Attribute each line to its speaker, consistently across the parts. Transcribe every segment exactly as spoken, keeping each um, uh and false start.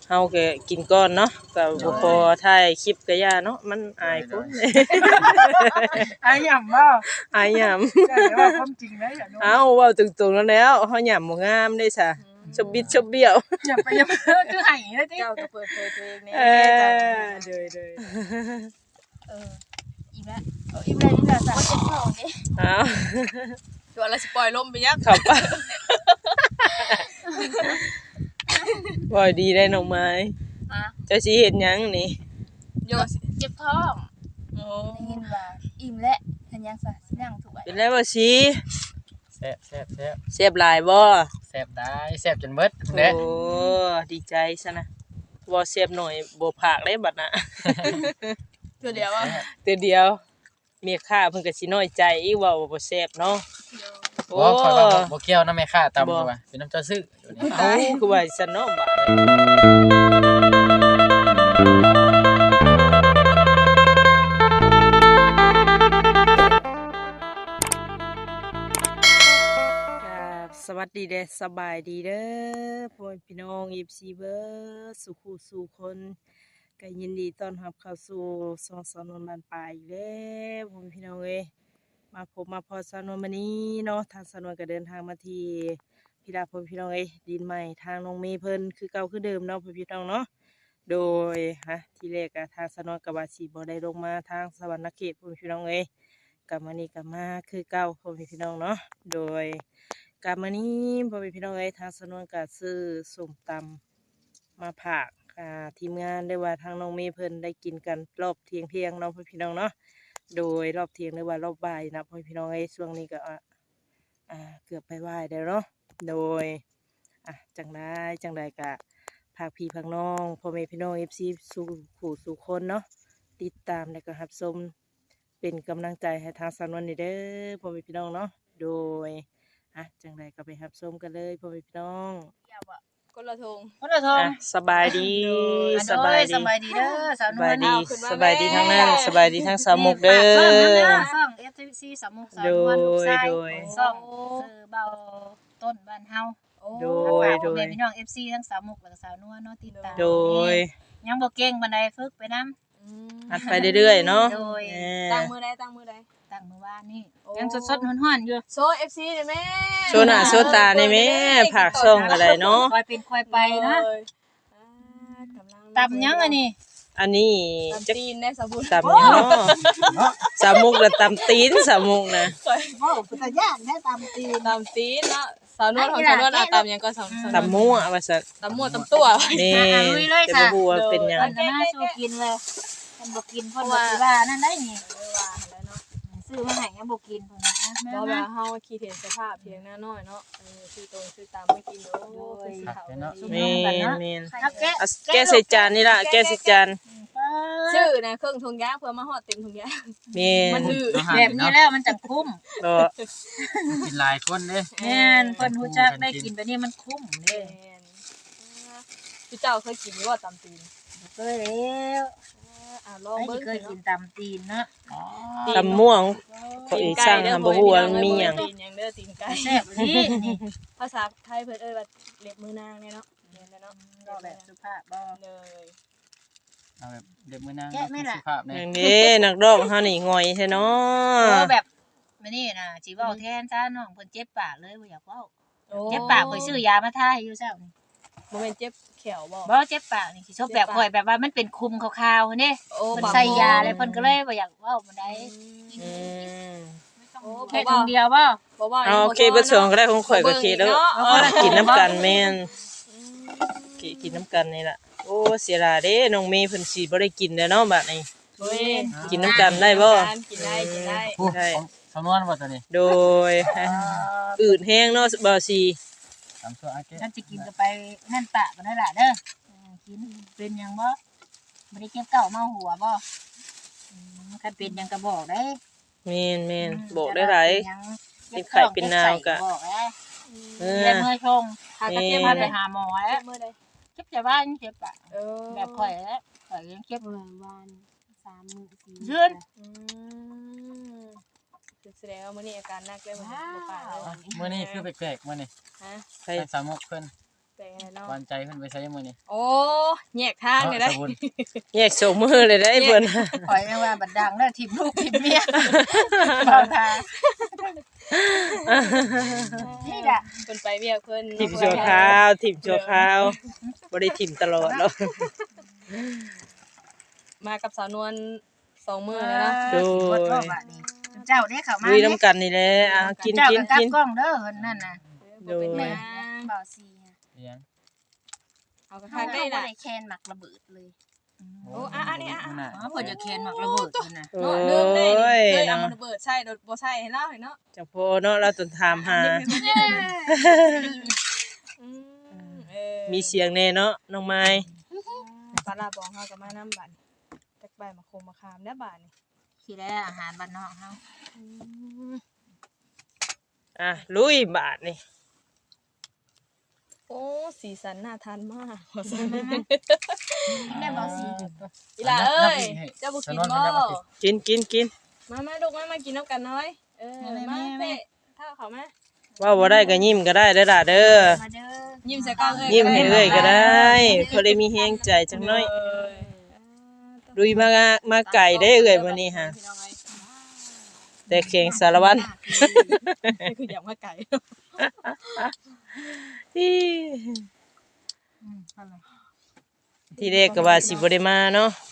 Speaker 1: เฮาก็กินก่อนเนาะก็บ่พอถ่ายคลิปก็ย่าเนาะมันอายคน
Speaker 2: อายหย่ำบ่
Speaker 1: อายหยำ
Speaker 2: แต่ว่าความจริงนะอย่าโน้
Speaker 1: เอ้าเว้าตรงๆแล้วแล้วเฮาหยำบ่งามเด้ซะชบบิดชบเบี้ยว
Speaker 2: อย่าไปอย่าคือให้เลยติ
Speaker 3: เจ้าก็เปิดเผยตัวเองแน่
Speaker 1: เออเดยเดย
Speaker 3: เอออีแม่เอออีแม่นี่แหละจ้ะเจ็บท้องนี่
Speaker 1: เอ้า
Speaker 3: ตัวละสิปล่อยลมไปยัก
Speaker 1: ขับไปบ่ดีได้น้องไม้
Speaker 3: อ่ะ
Speaker 1: เจ้าสิเฮ็ดหยังนี่
Speaker 3: โยเจ็บท้องโอ้ได้ยินว่าอิ่มและทันยังซะสินั่งถูกไว้
Speaker 1: เป็นไรบ่สิ
Speaker 4: แซ่บแซ่บแซ่บ
Speaker 1: เสียบหลายบ่
Speaker 4: แซ่บได้แซ่บจนเบิด
Speaker 1: โอ้
Speaker 4: เด้
Speaker 1: ดีใจซะนะบ่เสียบหน่อยบ่พากได้บัดน่ะ
Speaker 3: ตัวเดียวว่า
Speaker 1: เตือเดียวเมียข้าเพิ่นก็สิน้อยใจอีกว่าบ่แซ่บเนาะโอ้
Speaker 4: บ่ข่อยว่าบ่บ่เกี่ยวนำแม่ค้าตำว่าเป็นน้ำเจ้าซื้ออยู่นี่
Speaker 1: เอ้าคือว่าซั่นเนาะบาดครับสวัสดีเด้อสบายดีเด้อพ่อแม่พี่น้อง เอฟ ซี เบิดสุขุสู่คนก็ยินดีต้อนรับเข้าสู่ช่องสนวนบ้านปลายอีกแล้วพ่อแม่พี่น้องเอ้ยมาพบมาพอสนวนมื้อนี้เนาะทางสนวนก็เดินทางมาที่พี่ดาพ่อแม่พี่น้องเอ้ยดินใหม่ทางน้องเมย์เพิ่นคือเก่าคือเดิมเนาะพ่อแม่พี่น้องเนาะโดยฮะที่แรกก็ทางสนวนก็ว่าสิบ่ได้ลงมาทางสวรรณเขตพ่อแม่พี่น้องเอ้ยกลับมานี่ก็มาคือเก่าพ่อแม่พี่น้องเนาะโดยกลับมานี้พ่อแม่พี่น้องเอ้ยทางสนวนก็ซื้อส้มตำมาฝากอ่าทีมงานได้ว่าทางน้องเมย์เพิ่นได้กินกันรอบเที่ยงเที่ยงๆเนาะพ่อแม่พี่น้องเนาะโดยรอบเที่ยงหรือว่ารอบบ่ายนะพ่อแม่พี่น้องเอ้ยช่วงนี้ก็อ่าอ่าเกือบไปไหว้แล้วเนาะโดยอ่ะจังได้จังใดก็พากพี่พากน้องพ่อแม่พี่น้อง เอฟ ซี สู่ผู้สู่คนเนาะติดตามและก็รับชมเป็นกำลังใจให้ทางสนวนนี่เด้อพ่อแม่พี่น้องเนาะโดยอ่ะจังใดก็ไปรับชมกันเลยพ่อแม่พี่น้อง
Speaker 3: อย่าบ่คนละทง
Speaker 2: คนละทง
Speaker 1: อ่ะสบายดี
Speaker 2: อ่ะ
Speaker 1: สบาย
Speaker 2: ส
Speaker 1: ดี
Speaker 2: บายดีเด้อสาวน
Speaker 1: ส
Speaker 2: ว
Speaker 1: บาย
Speaker 2: ล
Speaker 1: ดี
Speaker 3: เอาขึ้นมา
Speaker 1: สบายดี
Speaker 3: แม่
Speaker 1: ทั้งนั้นสบายดีทั้งสามมุกเด้อ
Speaker 2: ซ่อง เอฟ ซี สามมุกสาวนวลลูกชาย
Speaker 1: โดย
Speaker 2: ซ่องซื้อเบาต้นบ้านเฮา
Speaker 3: โอ้
Speaker 1: โด
Speaker 2: ฝาก
Speaker 1: โดย
Speaker 2: พ่อแม่พี่น้อง เอฟ ซี ทั้งสามมุกแล้วก็สาวนวลเนาะติดตาม
Speaker 1: โดย
Speaker 2: ยังบ่เก่งปานใดฝึกไปนำ
Speaker 3: อืม
Speaker 1: อัดไปเรื่อยๆเนาะ
Speaker 2: โดย
Speaker 1: เออ
Speaker 3: ตั้งมือใดตั้งมือใด
Speaker 2: ตั้งมื้อวานนี่
Speaker 3: โอ้
Speaker 2: ยังสดๆฮ้อนๆอยู่
Speaker 3: โซ เอฟ ซี เด้อแม่
Speaker 1: โชว์หน้าโชว์ตาในแม่ผักส่งอะไรเนาะ
Speaker 2: ค่อยเป็นค่อยไปนะ
Speaker 3: โอ้ยอ่ากำลัง
Speaker 2: ตำยังอันนี้
Speaker 1: อันนี้
Speaker 3: ตำ
Speaker 1: จะ
Speaker 3: ตีนได้สมบูรณ์
Speaker 1: ตำยังเนาะสามมุกและตำตีนสามมุกนะ
Speaker 2: โอ้พุทธญาณแท้ตำตีน
Speaker 3: ตำตีนเนาะสาวนวลของสาวนวลเอาตำยังก็สามสาม
Speaker 1: ตำมั่วว่าซั่น
Speaker 3: ตำมั่วตำตัว
Speaker 1: นี่
Speaker 2: อ่ะลุยเลย
Speaker 1: จะ
Speaker 2: ค่ะ
Speaker 1: บ่ฮู้ว่าเป็นหยัง
Speaker 2: เพิ่นก็น่าสู้กินเลยเพิ่นบ่กินเพิ่นบ่สิว่านั่นได้นี่
Speaker 3: เออว่าแล้วเนาะ
Speaker 2: ซื้อมาให้ยังบ่กินเพิ่นนะอ่ะ
Speaker 3: บ่
Speaker 2: แม่
Speaker 3: ว่า
Speaker 2: มา
Speaker 3: เฮาคิดเห็นสภาพเพียงหน้าน้อยเนาะเออซื้อตรงซื้อตามมากินโอ้คือสิเขาเนาะ
Speaker 1: แม่นแม่น
Speaker 2: เอาแกะ
Speaker 1: เอาแกะใส่จานนี่ล่ะแกะใส่จาน
Speaker 3: ซื้อนะเครื่องทงยางเพื่อมาฮอดเต็มทงยาง
Speaker 1: แม่
Speaker 3: มัน นหือ
Speaker 2: แบบนี้แล้วมันจังคุ้ม
Speaker 1: ก็
Speaker 4: กินหลายคนเด้
Speaker 2: แม่นเพิ่นฮู้จักได้กินแบบนี้มันคุ้มเด้
Speaker 3: แม่นพี่เจ้าเคยกินบ่ตำตีน
Speaker 2: เคยแล้ว
Speaker 3: อ่าลอง
Speaker 2: ไอ้
Speaker 3: เบิ่ง
Speaker 2: เคยกินตำตีนเนาะ
Speaker 4: อ๋อ
Speaker 1: ตำม่วง เขาอีกสร้างทำบ่ฮู้ว่ามีหยัง
Speaker 3: ตีนหยังเด้อตีนไก่
Speaker 2: แซ่บดีนี่
Speaker 3: ภาษาไทยเพิ่นเอ้ยว่าเล็บมือนางเนี่ยเนาะแม่นแล้วเนาะ
Speaker 2: ก็แบบสุภาพบ่
Speaker 3: เลย
Speaker 4: เอาแบบเด็กมื้อนาง
Speaker 2: แกะไหมล่ะ
Speaker 4: สุภาพ
Speaker 1: อ
Speaker 4: แน่
Speaker 1: ย่างนี้นักร้องเฮานี่ง่อยแท้เนา
Speaker 2: เออ
Speaker 1: ะ
Speaker 2: แบบมื้อนี้น่ะสิเว้าแทนซะน้องเพิ่นเจ็บปากเลยบ่อยากเว้า
Speaker 3: โอ้
Speaker 2: เจ็บปากข่อยซื้อยามาทาให้อยู่เช้านี่
Speaker 3: บ่แม่นเจ็บแขวบ่
Speaker 2: บ่เจ็บปากนี่สิชอบแบบข่อยแบบว่ามันเป็นคุมขาวๆเด้
Speaker 3: โอ้
Speaker 2: เพิ่นใส่ยาเลยเพิ่นก็เลยบ่อยากเว้าบ่ได้
Speaker 1: อืม
Speaker 3: โอ้
Speaker 2: แค่คนเดียวบ่
Speaker 3: บ่ว่า
Speaker 1: เอาโอเคเบิดสองก็ได้ของข่อยก็โอเคแล้ว
Speaker 3: เอาคนละ
Speaker 1: กินน้ำกันแม่นกินกินน้ำกันนี่ล่ะโอ้เสียดายเด้น้องเมย์เพิ่นสิบ่ได้กินแล้วเนาะบัดนี้
Speaker 3: เว้ย
Speaker 1: กินน้ำกันได้บ่
Speaker 3: กินได้กินได้
Speaker 4: ผู้ของสำนวนบ่ตัวนี้
Speaker 1: โดยอืดแห้งเนาะบ่สิ
Speaker 4: ตามตัวอาเกะ
Speaker 2: ฉันจะกินก็ไปนั่นปะก็ได้ล่ะเด้ออืมกินเป็นหยังบ่บ่ได้เก็บเก่าเมาหัวบ่อืมคันเป็นหยังก็บอกได้
Speaker 1: แม่นแม่นบอกได้หลาย เป็นไข้เป็นนาวก็
Speaker 2: บอกแล้ว
Speaker 1: เอ
Speaker 2: เรีย
Speaker 1: อ
Speaker 2: นเมื่อชง
Speaker 3: หากระเทียม
Speaker 2: พา
Speaker 3: มา
Speaker 2: ไป
Speaker 3: ไป
Speaker 2: หาหมอ
Speaker 3: เจ็
Speaker 2: แล้ว
Speaker 3: บมือใด
Speaker 2: เจ็บจะบ้านเจ็บปะ
Speaker 3: เออ
Speaker 2: แบบข่อยแล้วข่อยยังเจ็บ
Speaker 5: วันสามมื้อสี่
Speaker 2: ยืน
Speaker 3: อืมแสดงว่ามื้อนี้อาการหนักเลยมื้อนี้บ่ปากเลย
Speaker 4: มื้อนี้คือแปลกๆมื้อนี้
Speaker 3: ฮะ
Speaker 1: ใคร
Speaker 4: ทางสามมุกเพิ่น
Speaker 3: เไปไงเนาะ
Speaker 4: หวานใจเพิ่นไปใช้มื้อนี้
Speaker 3: โอ้แยกทางเลยได้
Speaker 4: สบุญ
Speaker 1: แยกโสมือเลยได้เพิ่น
Speaker 2: ข่อยแม่ว่าบัดดังแล้วทิ่มลูกทิ่มเมียบ่ทานี่ล่ะ
Speaker 3: เพิ่นไปเวียกเพิ่น
Speaker 1: ถิ่มชั่วคราวถิ่มชั่วคราวบ่ได้ถิ่มตลอดหรอก
Speaker 3: มากับสาวนวลสองมื้อเลยเนาะ
Speaker 1: โดย
Speaker 2: เจ้าเด้เข้ามา
Speaker 1: ลุยน้ำกันนี่แหละอ่ะกิน
Speaker 2: เจ้า
Speaker 1: กิน
Speaker 2: กับ
Speaker 1: กิน
Speaker 2: กล้องเด้อเพิ่นนั่นน่ะ
Speaker 1: โดย
Speaker 3: เป็นหยัง
Speaker 5: เบาซีฮะ
Speaker 4: เลี้ยง
Speaker 3: เอากระ
Speaker 5: เขา
Speaker 3: ทาง
Speaker 5: ก็
Speaker 3: ได้
Speaker 5: บ่
Speaker 3: น่ะ
Speaker 5: ได้แคนหมักระเบิดเลย
Speaker 3: โอ้อ่ะอันนี้อ่ะ
Speaker 4: มื้อหน้า
Speaker 2: อ๋อเพิ่นจะแคนหมักระเบิดเพิ่นน่ะ
Speaker 1: โอ้
Speaker 3: เนาะลืมได้นี่
Speaker 1: ย
Speaker 3: เคยเอา
Speaker 1: เนาะ
Speaker 3: มาระเบิดใช่โดยบ่ใช่ให้เล่าให้เนาะ
Speaker 1: จังโพเนาะเราต้องถามหา
Speaker 3: อืมเออ
Speaker 1: มีเสียงแน่เนาะน้องไม้
Speaker 3: ปลาร้าบองเฮาก็มานำบัดจักใบมะโคมมะขามแล้วบาดนี่
Speaker 2: ที่แรกอาหารบ้านนอกเฮา
Speaker 1: อ่ะลุยบาทนี่
Speaker 3: โอ้สีสันน่าทานมากว่าซั่น
Speaker 5: แม่เบาซี
Speaker 3: อีหล่าเอ้ยเจ้าบ่กินบ่
Speaker 1: กินกินกิน
Speaker 3: มามาลูกมามากินน้ำกันน้อยเออมาเพ่ถ้าเขามา
Speaker 1: ว่าบ่ได้ก็ยิ้มก็ได้เด้อล่ะเด้อ
Speaker 5: มาเด้อ
Speaker 3: ยิ้มใส่กล้องเอ้ย
Speaker 1: ยิ้มให้เอ้ยก็ได้พอได้มีแฮงใจจังน้อยลุยมามาไก่ได้เอ้ยมื้อนี้ฮะแต่แข่งสารวัตร
Speaker 3: คืออยากมาไก่
Speaker 1: ที่
Speaker 2: อืมเอาล่ะ
Speaker 1: ที่แรกก็ว่าสิบ่ได้มาเนาะ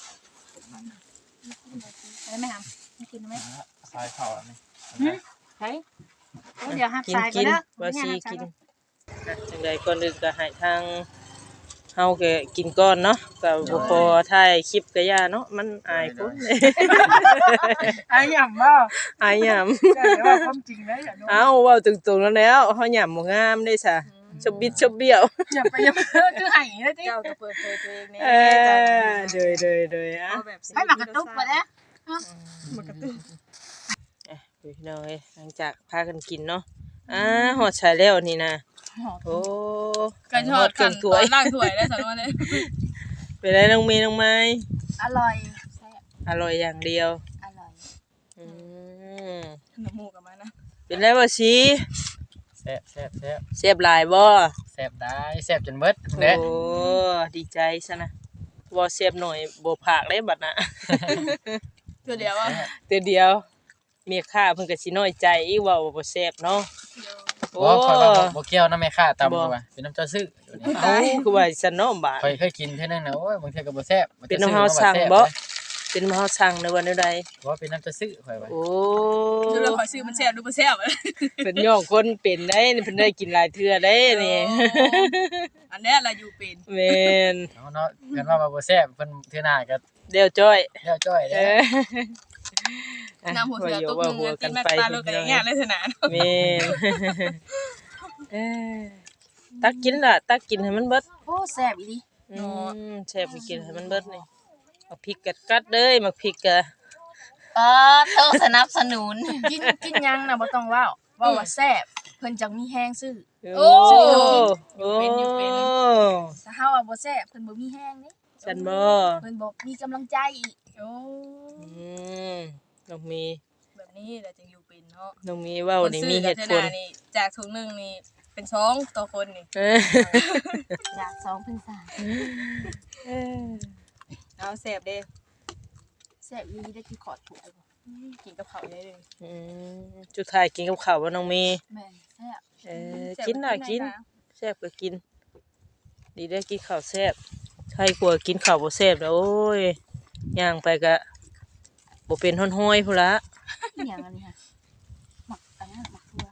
Speaker 2: ได้ไหมครับกินไหม
Speaker 4: สายเข้าอันนี้
Speaker 2: ใช่เดี๋ยวหัก
Speaker 1: กิน
Speaker 2: สาย
Speaker 1: กิน
Speaker 2: เด้อ
Speaker 1: ว่าสิกินอ่ะจังใดก่อนอื่นก็ให้ทางเฮาก็กินก่อนเนาะก็บ่พอถ่ายคลิปก็ย่าเนาะมันอายคน
Speaker 2: อายหย่ำบ่
Speaker 1: อายหยำ
Speaker 2: เดี๋ยวว่าความจริงนะอย่าโดน
Speaker 1: เอ้าเว้าตรงๆแล้วแล้วเฮาหยำบ่งามเด้ซะชบบิดชบเบี้ยว
Speaker 2: อย่าไปอย่าคือให้เลยติ
Speaker 3: เจ้าก็เปิดเผยตัวเองนี่
Speaker 1: เออโดยโดยโดยอ่ะ
Speaker 3: เอาแบบ
Speaker 2: ให้หมากระตุกไปแล้ว
Speaker 3: มากระตุก
Speaker 1: อ่ะพี่น้องเอ้ยหลังจากพากันกินเนาะอ่าฮอดใช้แล้วนี่นะโอ้
Speaker 3: กันทอด
Speaker 1: เกิ
Speaker 3: กัน
Speaker 1: นถ้วย
Speaker 3: ล่างถ้วยได้สันว่าเลย
Speaker 1: เป็นไรน้องเมย์น้องไม้
Speaker 5: อร่อยแซ่บ
Speaker 1: อร่อยอย่างเดียว
Speaker 5: อร่อย
Speaker 1: อืม
Speaker 3: ขนมหมูกับมานะ
Speaker 1: เป็นไรบ่สิ
Speaker 4: แซ่บแซ่บแซ่บ
Speaker 1: เสียบหลายบ่
Speaker 4: แซ่บได้แซ่บจนเบิด
Speaker 1: โอ้
Speaker 4: เด้
Speaker 1: ดีใจซะนะบ่เสียบหน่อยบ่ผากได้บัดน่ะ
Speaker 3: ตัวเดียวอ่ะ
Speaker 1: เตือเดียวเมียข้าเพิ่นก็สิน้อยใจอีกว่าบ่แซ่บเนาะโอ้
Speaker 4: บ่ข่อยว่าบ่บ่เกี่ยวน้ำแม่ค้าตำบ่ว่าเป็นน้ำเจ้าซื้ออยู่นี่
Speaker 1: เอ้าคือว่าซั่นเนาะบาด
Speaker 4: ข่อยเคยกินเท่านึงนะโอ้ยบางเทีก็บ่แซ่บ
Speaker 1: เป็นน้ำเฮาสั่งบ่เป็นน้ำเฮาสั่งในวันใด
Speaker 4: บ่เป็นน้ำเจ้าซื้อข่อยว่า
Speaker 1: โอ้
Speaker 3: ดูเราขอซื้อมันแซ่บดูบ่แซ่บเลย
Speaker 1: เป็นย่องคนเป็นได้เพิ่นได้กินหลายเทื่อได้นี่
Speaker 3: อันนี้เราอยู่เป็น
Speaker 1: แม่น
Speaker 4: เอาเนาะกันว่าบ่แซ่บเพิ่นเทื่อหน้าก็
Speaker 1: เดี๋ยวจ้อย
Speaker 4: แล้วจ้อย
Speaker 1: เอ
Speaker 4: เด้
Speaker 1: อ
Speaker 3: น้ำหัวเสือตุ๊ก
Speaker 1: ว่า
Speaker 3: นึง
Speaker 1: หัว
Speaker 3: กิ
Speaker 1: กัน น
Speaker 3: แม่
Speaker 1: ไป
Speaker 3: ตาลูกกันอย่างเงี้ยเลยเถอะนะ
Speaker 1: แม่นเออตักกินล่ะตักกินให้มันเบิด
Speaker 5: โอ้แซ่บอีหลี
Speaker 1: อืมแซ่บไปกินให้มันเบิดนี่เอาพริกกัดๆเด้ยมักพริกกะ
Speaker 5: เออเธอสนับสนุน กินกินยังน่ะบ่ต้องเว้าเว้าว่าแซ่บเพิ่นจังมีแฮงซื้อ
Speaker 1: โอ้โอ้
Speaker 5: ถ้าเฮาว่าบ่แซ่บเพิ่นบ่มีแฮงเด้
Speaker 1: ฉันบ่
Speaker 5: เพิ่นบ่มีกำลังใจอีก
Speaker 3: โอ้
Speaker 1: อืมน้องมี
Speaker 3: แบบนี้แหละจึงอยู่เป็นเนาะ
Speaker 1: น้องมีเว้านี่มีเหตุผล
Speaker 3: นี่จากถุงนึงนี่เป็นสองต่อคนนี่
Speaker 1: เออ
Speaker 5: จากสองเป็นสาม
Speaker 1: เออ
Speaker 3: เอาแซ่บเด้
Speaker 5: แซ่บอีหลีได้คือขอดถ้วยบ่
Speaker 3: กินกับข้าวได้เลย
Speaker 1: อืมจุดท้ายกินกับข้าวบ่น้องมี
Speaker 5: แม่นแซ่บ
Speaker 1: เออกินน่ะกินแซ่บก็กิน ดีได้กินข้าวแซ่บใครกลัวกินข้าวบ่แซ่บแล้วโอ้ยย่างไปก็บ่เป็นห้อยๆพุ่นละ
Speaker 5: อีหยังอันนี้ค่ะหมักอันนั้นหมักทั่ว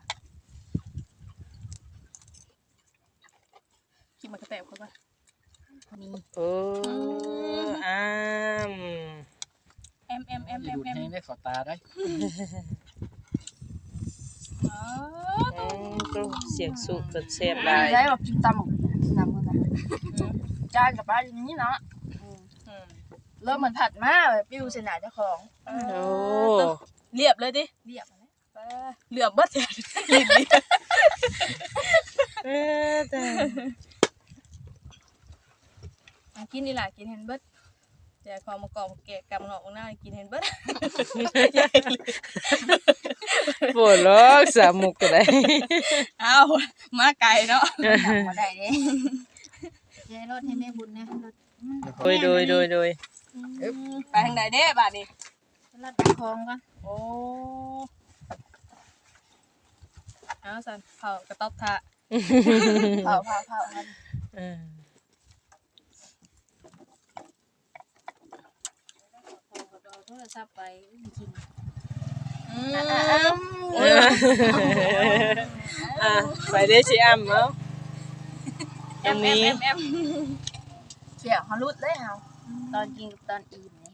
Speaker 3: กินมันกระแตบเขาป่ะ
Speaker 5: คนนี้
Speaker 1: โอ้อ้าม
Speaker 3: เอ็มเอ็มเอ็ม
Speaker 4: อย่า
Speaker 3: เอ็ม
Speaker 4: ดูด
Speaker 3: เอ็ม
Speaker 4: ให้ได้ขอตาได้
Speaker 3: อ๋อ
Speaker 1: เอ้ยก็เสียงสูบก็แซ่บห
Speaker 5: ได้
Speaker 1: ลาย
Speaker 5: ได้แบบกินตำหมกน้ำมันนะจานกับปลาอย่างนี้เนาะ
Speaker 3: อืม
Speaker 5: เริ่มเหมือนผัดมาแบบปิ้วเสนาเจ้าของ
Speaker 1: โอ้
Speaker 3: เรียบเลยดิ
Speaker 5: เรียบมาแล้ว
Speaker 3: เหลือมเบิดเลยลิ้นนี่
Speaker 1: เออแต่
Speaker 3: กินนี่ล่ะกินเห็นเบิด
Speaker 5: แต่พอมากรอบแกะกำเงาะหน้ากินเห็นเบิด
Speaker 1: ปวดล็อกสามมุกก็ได้
Speaker 5: เอามาไกลเนาะ
Speaker 2: ดังบ่ได้เด้เจ๊รถให้แม่บุญนะรถมัน
Speaker 1: โดยโดยโดยโดย
Speaker 5: ไปทางใดเด้บาดนี้
Speaker 2: รถตะคองก่อน
Speaker 5: โอ้เอาสันเผากระต๊อบทะ
Speaker 2: เผาเผาเผากัน
Speaker 1: เออ
Speaker 2: เอาโทรศัพท์ไปกิน
Speaker 5: อืม
Speaker 1: อ่ะไปเด้อสิอ้ำเนาะตรงนี้
Speaker 5: แอมแอม
Speaker 2: เสี่ยวเขารุดเลยเฮาตอนกินกับตอนอิ่มนี่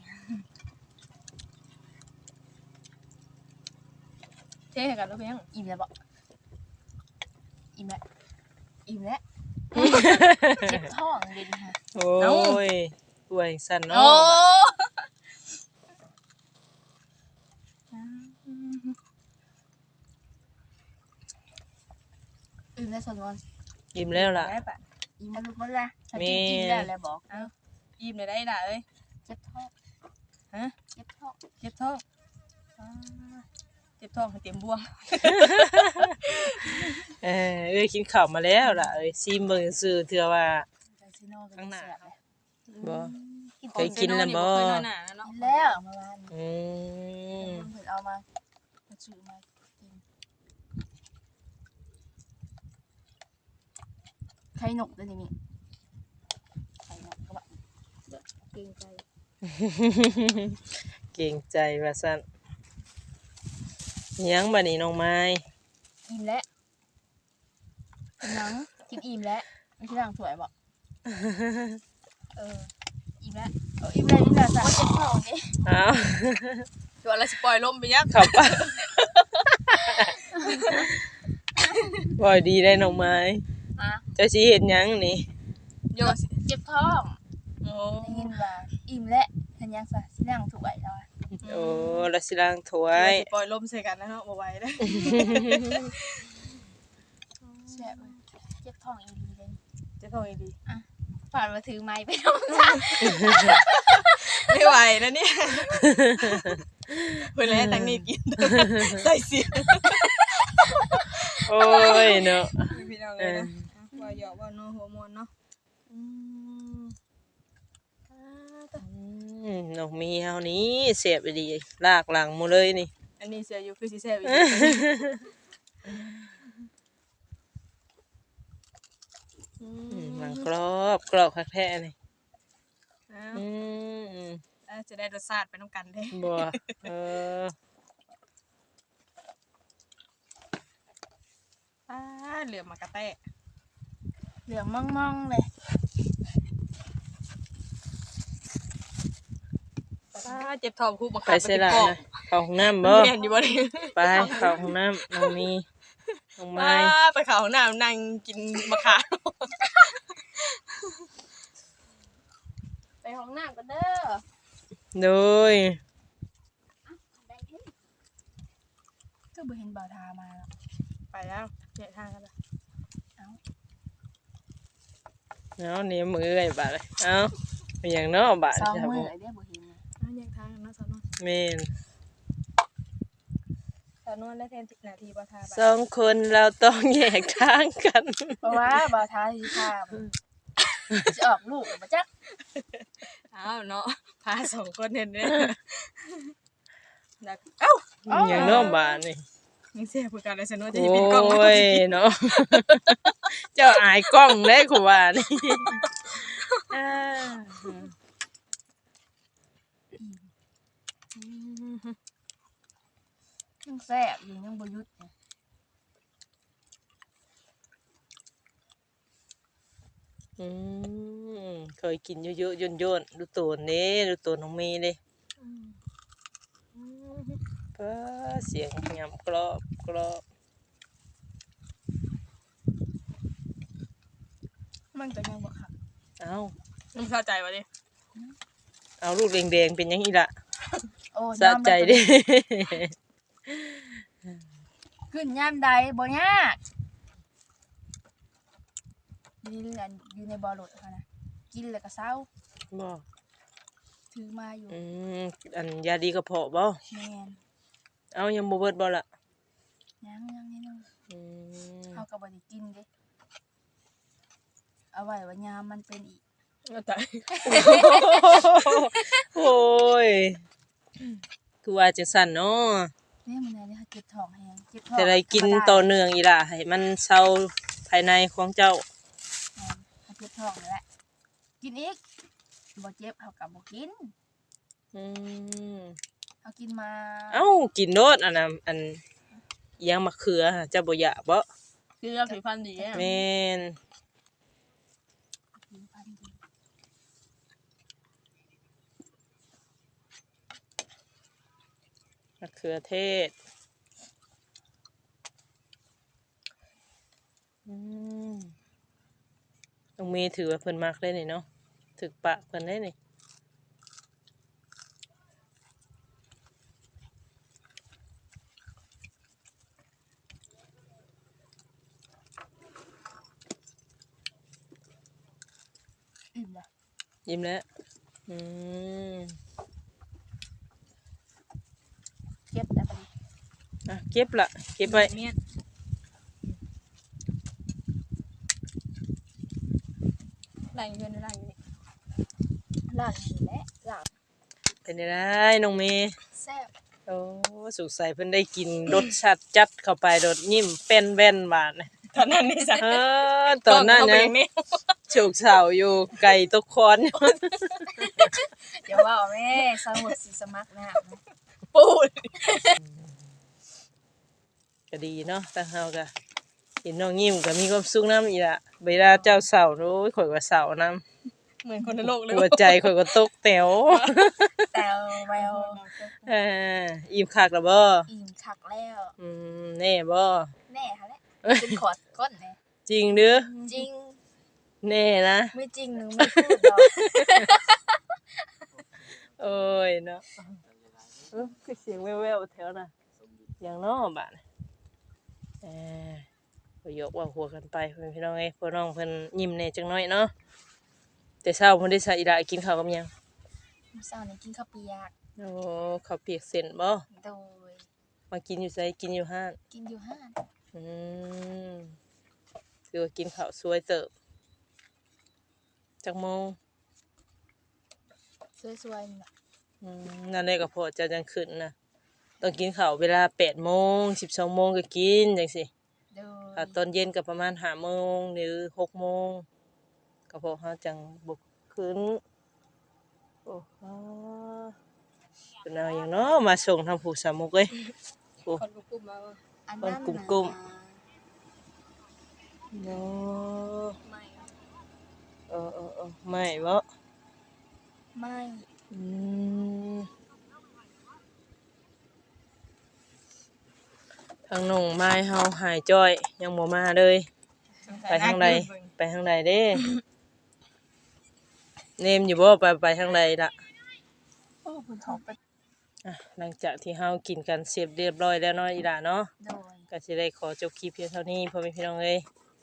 Speaker 5: เท่ให้กันลูกเพียง
Speaker 2: อิ่มแล้วบ่อิ่มแล้วอิ่มแล้วเจ็บท้องเด่นค่ะ
Speaker 1: โอ้ยป่วยสั่นเนาะ
Speaker 5: โอ้
Speaker 2: อิ่มแล้วสนวน
Speaker 1: อิ่มแล้วล่ะ
Speaker 5: ได้ปะ
Speaker 2: อิ่มแล้วลูกบ่ล่ะถ้ากินกินได้แล้วบอก
Speaker 5: อิ่มเลยได้ด่าเอ้ย
Speaker 2: เจ็บท้อง
Speaker 5: ฮะ
Speaker 2: เจ็บท้อง
Speaker 5: เจ็บท้องอ่าเจ็บท้องให้เต็มบวง
Speaker 1: เออเอ้ยกินข้าวมาแล้วล่ะเอ้ยซิมเบิ่งซื่อเทื่อว่า
Speaker 2: ใจซิโน่ก็
Speaker 1: ข้างหน้า
Speaker 2: แซ่บเลย
Speaker 1: บ่
Speaker 2: กิน
Speaker 1: เคยกินแล้วบ่
Speaker 5: เคยนอนหนาเนาะ
Speaker 2: กินแล้วเมื่อวาน
Speaker 1: อืม
Speaker 2: เพิ่นเอามามาซื้อมากินไข่นกด้วยนี่มีไข่นกก็แบบเกรงใจ
Speaker 1: เก่งใจว่าซั่นอิหยังบัดนี้น้องไม้
Speaker 2: อิ่มแล้วกินหนังกินอิ่มแล้วไม่ใช่ร่างสวยบอกเอออิ่มแล้วเอออิ่มแล้วอิ่มแล้วสั่งเจ็บท้องดิ
Speaker 1: อ้าว
Speaker 5: ตัวอะไรสปอยลมไปยัก
Speaker 1: ขับปะบ่อยดีได้น้องไม้
Speaker 2: ฮะ
Speaker 1: เจ้าสิเฮ็ดหยังนี่
Speaker 5: โยสิ
Speaker 2: เจ็บท้อง
Speaker 5: โอ้
Speaker 2: ได้ยินว่าอิ่มแล้วทันยังซะสิร่างสวยแล้วอะ
Speaker 1: โอ้ละสิล้างถ้ว
Speaker 5: ไว้
Speaker 1: ย
Speaker 5: สปอยลมใส่กันแล้วเนาะบ่ไหวเด้อ
Speaker 2: แซ่บเลยเจ็บท้องอีดีเลย
Speaker 5: เจะท้องอีดี
Speaker 2: ผ่านมาถือไม้ไปแล้ว
Speaker 5: ไม่ไหวแล้วเนี่ยเพิ่นแล้วตั้งนี้กินใส่เสียง
Speaker 1: โอ้ยเนาะ
Speaker 5: พี่น้องเลยนะว่าหยอกว่าเนาะหัวมวนเนาะอืม
Speaker 1: อืมน้องมีเฮานี้เสียบไปดีลากหลังหมดเลยนี่
Speaker 5: อันนี้เสียอยู่คือสิแซ่บอีก
Speaker 1: อืมหลังกรอบกรอบคักแท้นี่
Speaker 5: อ้าว
Speaker 1: อืมอืม
Speaker 5: อ่าจะได้รสชาติไปน้ำกันเด้
Speaker 1: บ่เออ
Speaker 5: อ่าเหลือมากระแตะ
Speaker 2: เหลืองมั่งๆเลย
Speaker 5: อ่าเจ็บท้องคู่บัง
Speaker 1: ไป
Speaker 5: คับ
Speaker 1: เสียละนะเข้าห้องน้ำบ่
Speaker 5: เรียนอยู่บ่ได้
Speaker 1: ไปเข้าห้องน้ำน้องมีน้องไม้
Speaker 5: อ่าไปเขาห้องน้ำนั่งกินมะขาม
Speaker 2: ไปห้องน้ำกันเด้อ
Speaker 1: โดย
Speaker 2: ก็บ่เห็นบ่าวทามาแล้ว
Speaker 5: ไปแล้วเนี่ยทางกันละ
Speaker 1: เอานี่มือไอ้บาดเลยเอาเป็นหยังเนาะบาด
Speaker 2: สอง
Speaker 1: ครับ
Speaker 2: มื
Speaker 1: ผ
Speaker 2: อ
Speaker 1: ม
Speaker 2: ไอ้เด้อบ่เห็นเลย
Speaker 5: อ่าแยกทางกันเนาะสาวนวล
Speaker 1: แม่น
Speaker 5: สาวนวลและแทนสิบนาทีบ่ทา
Speaker 1: สองคนเราต้องแยกทางกัน
Speaker 2: เพราะว่าบ่าวทาสิพาจะออกลูกบ่จัก
Speaker 5: อ้าวเนาะพาสองคนเห็นเด้ดักเอ้า
Speaker 1: เป็นหยังเนาะบาดนี่
Speaker 5: ยังเสียคือกันเลยสาวนวลจะ
Speaker 1: โอ
Speaker 5: หยิบปิดกล้องมา
Speaker 1: ้ยเนาะ เจ้าอายกล้องได้กูว่านี่อ่า
Speaker 2: ยังแซ่บอยู่ยังบ่หยุดเนี่ย
Speaker 1: อืมเคยกินเยอะๆย่นๆดูตัวนี้ดูตัวน้องมีเลยป้าเสียงยำกรอบกรอบ
Speaker 5: มันจะยังบ่ค่ะ
Speaker 1: เอา
Speaker 5: มึงเข้าใจวะดิ
Speaker 1: เอาลูกแดงๆเป็นยังอีละ
Speaker 2: โอ้
Speaker 1: สะใจเดิ
Speaker 2: ขึ้นยามใดบ่ยากนี่อันอยู่ในบ่อรถเขานะกินแล้วก็เศร้า
Speaker 1: บ่
Speaker 3: ถือมาอยู่
Speaker 1: อืมอันยาดีกระเพาะบ่
Speaker 3: แม่น
Speaker 1: เอ้ายังบ่เบิดบ่ล่ะ
Speaker 3: ยังยังนิดนึง
Speaker 1: อืม
Speaker 3: เฮาก็บ่ได้กินเด้เอาไว้ว่ายามมันเป็นอีก
Speaker 1: ตายโอ้ยคือว่าจังซั่นเนาะ
Speaker 3: แม่มื้อนี้เฮาเจ็บท้องแฮงเจ็บท้อง
Speaker 1: จะได้กินต่อเนื่องอีหล่ะให้มันเซาภายในของเจ้า
Speaker 3: แม่นเฮาเจ็บท้องนี่แหละกินอีกบ่เจ็บเฮาก็บ่กิน
Speaker 1: อืม
Speaker 3: เฮากินมา
Speaker 1: เอ้ากินโดดอันน่ะอันอิหยังมะเขือหะเจ้าบ่อยากบ่
Speaker 2: คือเราผิวพรรณดีอะ
Speaker 1: แม่น
Speaker 3: กินพันดี
Speaker 1: มะเขือเทศอืมต้องมีถือว่าเพิ่นมักได้นี่เนาะถึกปากเพิ่นได้นี่
Speaker 3: อิ่มแล้ว
Speaker 1: ยิ้มแล้วอืม
Speaker 3: เจ็บแล้วบัดนี้
Speaker 1: อ่ะเก็บละเก็บไว้
Speaker 2: เมียนหลังอยู่เพิ่นหลังอยู่นี่
Speaker 3: ลาดนี่แหละลาบ
Speaker 1: เป็นได้น้องเมย์
Speaker 3: แซ่บ
Speaker 1: โอ้สุขใสเพิ่นได้กินรสชาติจัดเข้าไปโดดยิ้มเป็นแว่นบาดนะ
Speaker 2: ตอนนั้นนี่จ้ะ
Speaker 1: เออตอนนั้น
Speaker 2: ก็
Speaker 1: ยั
Speaker 2: เป็
Speaker 1: ง
Speaker 2: นนี่
Speaker 1: โฉกเฉาอยู่ไก่ตกคอน
Speaker 3: เดี๋ยวว่าแม่สมุดสิสมัครนะ
Speaker 2: ปูด
Speaker 1: ก็ดีเนาะทางเฮาก็เห็นน้องยิ้มก็มีความสุขนำอีล่ะเวลาเจ้าเศร้าโอ้ยข่อยก็เศร้านำ
Speaker 2: เหมือนคนในโลกเลย
Speaker 1: หัวใจข่อยก็ตกแต๋ว
Speaker 3: แต่แวว
Speaker 1: เอออิ่มคักแล้วบ่
Speaker 3: อิ่มคักแล้ว
Speaker 1: อืมแน่บ่
Speaker 3: แน่ค่ะแหละเป็นขอดก้นแน่
Speaker 1: จริงเด้อ
Speaker 3: จริง
Speaker 1: แน่นะ
Speaker 3: ไม่จริงหนูไม่พูดหรอก
Speaker 1: โอ้ยเนาะเออคือเสียงแว่วๆแถวน่ะอย่างน้อบาดน่ะเออก็ยกว่าหัวกันไปเพิ่นพี่น้องเอ้ยพ่อน้องเพิ่นยิ้มแหน่จังน้อยเนาะแต่เช้าเพิ่นได้ใส่อีหลากินข้าวกับหยัง
Speaker 3: มื้อเช้านี้กินข้าวเปียก
Speaker 1: โอ้ข้าวเปียกเส้นบ่
Speaker 3: โดย
Speaker 1: มากินอยู่ไสกินอยู่ห้าน
Speaker 3: กินอยู่ห้าน
Speaker 1: อืมคือว่ากินข้าวสวยเติบจักโมง
Speaker 3: สวยๆนี่ล่ะ
Speaker 1: อืมนั่นแหละก็พอจะจังขึ้นนะต้องกินข้าวเวลาแปดโมงสิบสองโมงก็กินจังซี่
Speaker 3: โดย
Speaker 1: ถ้าตอนเย็นก็ประมาณห้าโมงหรือหกโมงก็พอเฮาจังบ่ขึ้นโอ้โหเป็นเอาหยังเนาะมาส่งทางผู้สามุกเอ้ยโอ้
Speaker 2: คนกลุ่มมาว่า
Speaker 3: อันนั้น
Speaker 1: กลุ่
Speaker 3: น่ะ
Speaker 1: ม เนาะ
Speaker 3: ไม่
Speaker 1: เออเออเออไม่บ่
Speaker 3: ไม่
Speaker 1: อืมทางน้องไม้เฮาหายจ้อยยังบ่มาเลย ไปทางใดไปทางใดเด้ เนมอยู่บ่ไปไปทางใดล่ะ
Speaker 3: โอ้เพิ่นท้องไป
Speaker 1: อ่ะหลังจากที่เฮากินกันเสร็จเรียบร้อยแล้วเนาะอีหล่าเนาะ
Speaker 3: โดย
Speaker 1: ก็สิได้ขอจบคลิปเพียงเท่านี้พ่อแม่พี่น้องเอ้ย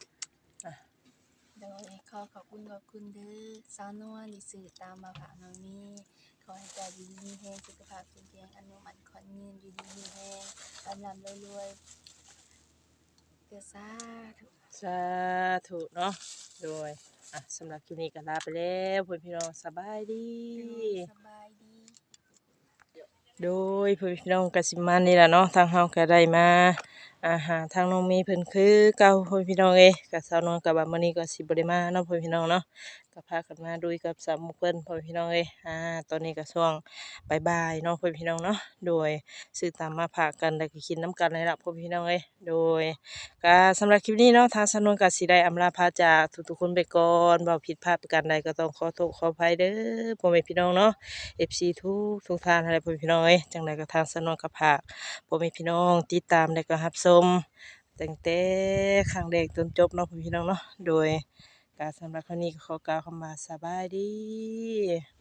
Speaker 3: โดยขอขอบคุณขอบคุณเด้อสาวนวลที่สื่อตามมาฝากน้องนี้ขอให้ใจดีมีแฮงสุขภาพแข็งแรงอนุมันขอนยืนอยู่ดีมีแฮงกำลังรวยๆเด้อสาธุ
Speaker 1: สาธุเนาะโดยอ่ะสำหรับคลิปนี้ก็ลาไปแล้วพ่อแม่พี่น้องสบายดี
Speaker 3: สบายดี
Speaker 1: โดยพ่อแม่พี่น้องก็สิมานี่ล่ะเนาะทางเฮาก็ได้มาอาหารทางน้องเมย์เพิ่นคือเก่าพ่อแม่พี่น้องเอ้ยก็สาวนวลก็ว่ามื้อนี้ก็สิบ่ได้มาเนาะพ่อแม่พี่น้องเนาะก็พากันมาดูกับสามหมู่เพิ่นพ่อแม่พี่น้องเอ้ยอ่าตอนนี้ก็ช่วงบ่ายๆเนาะพ่อแม่พี่น้องเนาะโดยซื้อตามมาฝากกันแล้วก็กินน้ำกันเลยล่ะพ่อแม่พี่น้องเอ้ยโดยก็สำหรับคลิปนี้เนาะทางสาวนวลก็สิได้อำลาพาจากทุกๆคนไปก่อนเว้าผิดพลาดประการใดก็ต้องขอโทษขออภัยเด้อพ่อแม่พี่น้องเนาะ เอฟ ซี ทุกทุกท่านอะไรพ่อแม่พี่น้องเอ้ยจังไดก็ทางสนวนกับภาคพ่อแม่พี่น้องติดตามและก็รับชมตั้งแต่ครั้งแรกจนจบเนาะพ่อแม่พี่น้องเนาะโดยการสำหรับครั้งนี้ก็ขอกล่าวคำว่าสบายดี